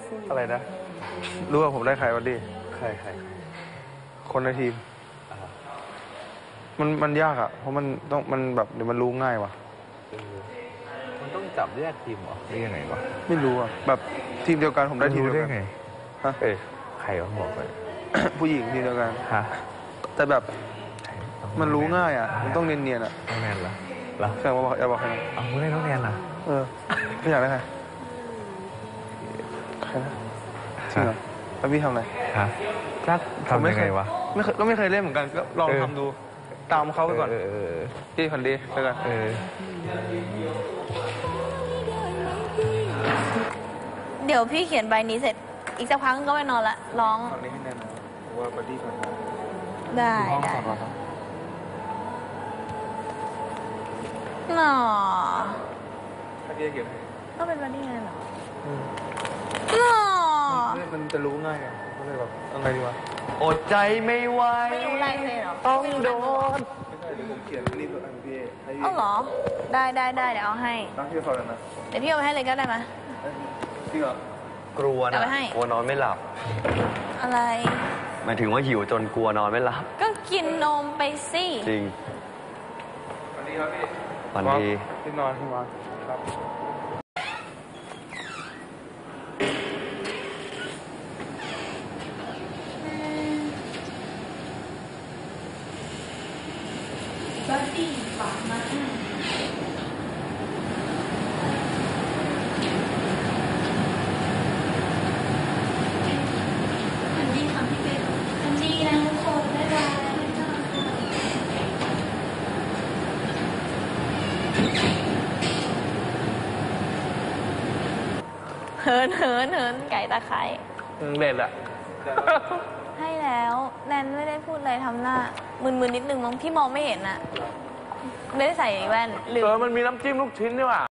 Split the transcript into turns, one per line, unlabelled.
อะไรนะ
รู้ว่าผมได้ใครวันดี
ใคร
คนในทีม มันยากอ่ะ เพราะมันแบบเดี๋ยวมันรู้ง่ายว่ะ
มันต้องจับแยกทีมเหรอหรือยังไงวะ
ไม่รู้อ่ะ แบบทีมเดียวกันผมได้ทีมเดียวกัน
ไง
ฮะ
ใครวะบอกไป
ผู้หญิงทีมเดียวกัน
ฮะ
แต่แบบมันรู้ง่ายอ่ะ มันต้องเนียนๆอ่ะ
น้องแนนเหรอ
แข่งมาบอกอย่าบอกใครนะ
เอาไม่ได้น้องแนนเหรอ
ไม่อยากได้ใครใครนะจริงเหรอแล้วพี่ทำอะไร
ฮะจักทำยังไงวะ
ไม่เคยเล่นเหมือนกันก็ลองทำดู ตามเขาไปก่อนพี่พันดีไปก่อน
เดี๋ยวพี่เขียนใบนี้เสร็จ อีกสักพักก็ไปนอนละร้อง
ตอนนี้ให้แน่นอนว่าบัดดี้ก่อน
ได้
ห้อง
ได้
สอนเราครับ
หนอ
ถ้าพี่จะเขียนให้
ก็เป็นบัดดี้ไงเหรอหนอ
มันจะรู้ง่ายไงก็เลยแบบเอาไงดีวะ
อดใจไม่ไหว
ไม่รู้ลายเซ็นเหรอ
ต้องโดน
ไม่ใช่เดี๋ยวผมเขียนรีบอันพี่ให้พี่
เอาเหรอ ได้เดี๋ยวเอาให้
ตั้งชื่อสอนนะ
เดี๋ยวพี่เอาไปให้เลยก็ได้ไหม
จริงเหรอก
ลัว
เอา
นะ
ไปให้
กลัวนอนไม่หลับ
อะไร
หมายถึงว่าหิวจนกลัวนอนไม่หลับ
ก็กินนมไปสิ
จริง
วันนี้ครับพี่
วันดี
พี่นอนพี่นอนครับ
บัดดี้ฝากมาให้อันดีค่ะพี่เป็ดอันดีนะทุกคนบ๊ายบายเหินไก่ตะไคร้
เด็ดอะ
ให้แล้วแนนไม่ได้พูดอะไรทำหน้ามึนๆนิดนึงมั้งพี่มองไม่เห็นอะไม่ได้ใส่แว่นลืม
มันมีน้ำจิ้มลูกชิ้นด้วยว่ะ